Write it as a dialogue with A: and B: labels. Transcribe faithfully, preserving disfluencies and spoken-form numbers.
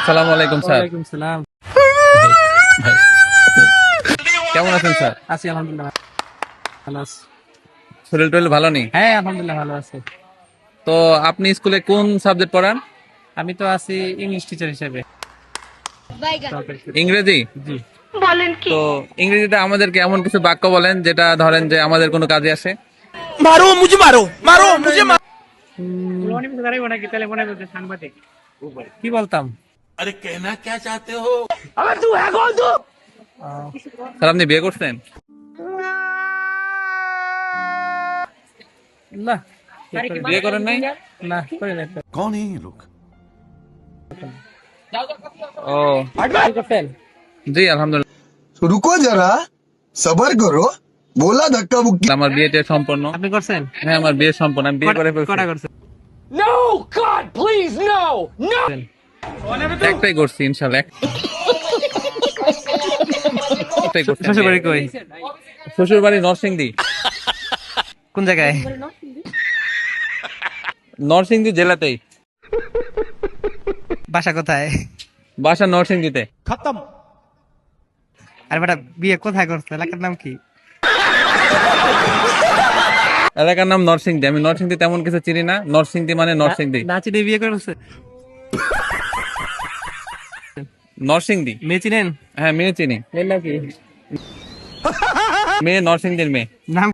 A: আসসালামু আলাইকুম স্যার।
B: ওয়ালাইকুম সালাম।
A: ভাই, কেমন আছেন স্যার?
B: আছি আলহামদুলিল্লাহ, ভালো আছি।
A: শরীর টরীর ভালো নেই?
B: হ্যাঁ আলহামদুলিল্লাহ ভালো আছি।
A: তো আপনি স্কুলে কোন সাবজেক্ট পড়ান?
B: আমি তো আছি ইংলিশ টিচার হিসেবে।
A: ইংরেজি।
B: জি।
A: তো ইংরেজিতে আমাদেরকে এমন কিছু বাক্য বলেন যেটা ধরেন যে আমাদের কোনো কাজে আসে।
C: मारो मुझे मारो मारो मुझे मारो।
B: সাংবাদিক কি বলতাম?
C: अरे कहना क्या चाहते हो?
B: আহ,
A: স্যার আপনি বিয়ে করছেন?
B: না
A: বিয়ে করেন নাই?
B: না করি নাই তো।
C: कौन है ये लोग?
A: ও
B: কি করতেন?
A: জি আলহামদুলিল্লাহ,
D: तो रुको जरा सबर करो बोला धक्का मुक्की
A: আমার বিয়েটা সম্পন্ন।
B: আপনি করছেন?
A: হ্যাঁ আমার বিয়ে সম্পন্ন, আমি বিয়ে করে ফেলছি।
B: কটা করছেন?
A: একটাই করছি ইনশাআল্লাহ, এক- একটাই করছি।
B: শ্বশুর বাড়ি কই?
A: শ্বশুর বাড়ি নরসিংদী।
B: কোন জায়গায়?
A: নরসিংদী জেলাতেই,
B: বাসা কোথায়?
A: বাসা নরসিংদীতে।
B: আর বেটা বিয়ে কোথায় করছে? এলাকার নাম কি?
A: এলাকার নাম নরসিংদী। আমি নরসিংদী তেমন কিছু চিনি না, নরসিংদী মানে নরসিংদী।
B: না চিনে বিয়ে করছে?
A: নরসিংদী।
B: মেয়ে চিনেন?
A: হ্যাঁ মেয়ে চিনি,
B: মেয়ের নাম কি?
A: মেয়ে নরসিংদীর মেয়ে।
B: নাম